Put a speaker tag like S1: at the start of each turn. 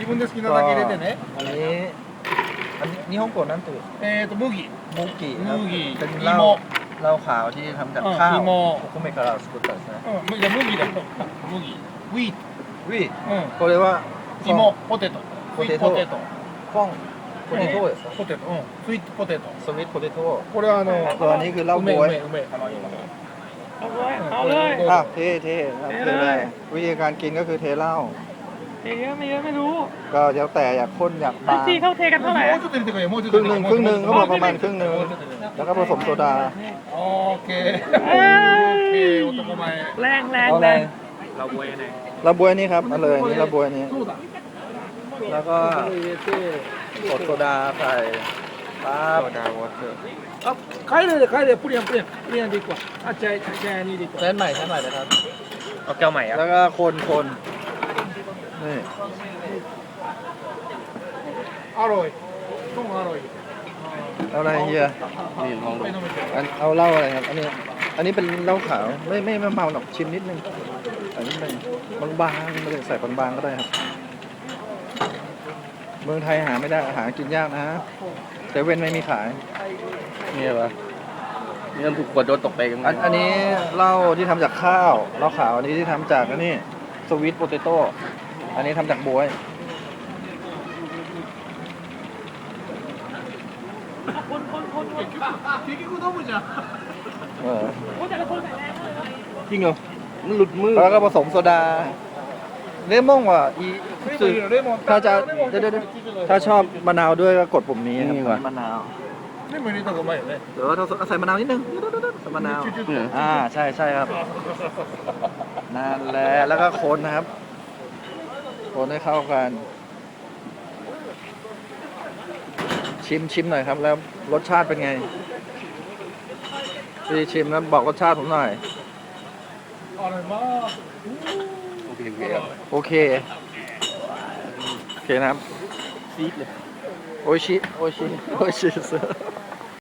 S1: 分で好きなだけ入れてね。
S2: อันนี้日本語なんていう
S1: 麦、
S2: มุกิครับ
S1: 麦、
S2: เป็นเห
S1: 芋。
S2: ล้าขาวที่ทำจากข้าว
S1: 芋。
S2: โอคุเมะから作ったですね
S1: じゃあ麦だよ。麦。ウィート。
S2: วิ
S1: う
S2: これは
S1: ん。芋、ポテト。スイートポテト。
S2: フォンポテトですか
S1: ポテト。うん。スイートポテト。
S2: สวิตโพเตโต้
S1: これは
S2: ตัวนี้คือเหล้าบวย
S1: 梅。
S3: เอาเลย
S2: อ่ะเทครับเทเลยวิธีการกินก็คือเทเหล้า
S3: เยอะไม่เยอะไม่รู้
S2: ก็แล้วแต่อยากข้นอยากบาง
S3: ที่เขาเทกันเท่าไหร่
S1: もうちょっと入れてくれよ。もうちょっ
S2: ค
S1: と
S2: รึ่ง
S1: 入
S2: ห
S1: れ
S2: นึ่
S1: て
S2: ง
S1: くれ。
S2: ครึ่งหนึ่งเขาบอกประมาณครึ่งหนึ่งแล้วก็ผสมโซดา
S1: オーケー。オーケー、男前。
S3: แรงแรง
S2: เอา
S3: แร
S2: อะไร
S3: ง
S1: ラボエね。
S2: ระบวยนี่ครับมาเลยนี่ระบวยนี้
S1: そうだ。
S2: แล้วก็กดโซดาใส่ปั๊บ
S1: あ、帰れで帰れ、プリンプリン。プリンでいくわ。あ、じゃあにでいくわ。
S2: เส้นใหม่นะครับ
S3: เอาแก้วใหม่อ่ะ
S2: แล้วก็คนนี่
S1: アロイ。トンアロイ。
S2: เอาอะไรเฮีย
S1: นี่ลองดู。
S2: เอาเหล้าอะไรครับ อันนี้เป็นเหล้าขาวไม่เมาหรอกชิมนิดนึงอันนี้เป็นบางๆไม่ได้ใส่บางๆก็ได้ครับเมืองไทยหาไม่ได้หากินยากนะเซเว่นไม่มีขาย
S4: นี่เหรอนี่มันถูกกดโดนตกไปกัน
S2: อันนี้เหล้าที่ทำจากข้าวเหล้าขาวอันนี้ที่ทำจากนี่สวีทโพเตโต้อันนี้ทำจากบ๊วย
S1: 結局飲むじゃん。
S2: เออ
S4: จริงเหรอมันหลุดมือ
S2: แล้วก็ผสมโซดาเลมอนว่ะอี
S1: レモン。
S2: ถ้าจะ
S1: レモン。
S2: ถ้าชอบมะนาวด้วยก็กดปุ่มนี้ครับมะนาว
S1: レモン入れた方がうまいよね。
S2: เดี๋ยวเราใส่มะนาวนิดนึงใส่มะนาว
S4: เนี่ย
S2: ใช่ครับนั่นแหละแล้วก็คนนะครับคนให้เข้ากันชิมหน่อยครับแล้วรสชาติเป็นไงพี่ชิมแล้วบอกรสชาติผมหน่อย
S1: あれまあ。
S4: โอเคครับ
S2: โอเคนะครับ
S4: ซีดเลย
S2: โอชิ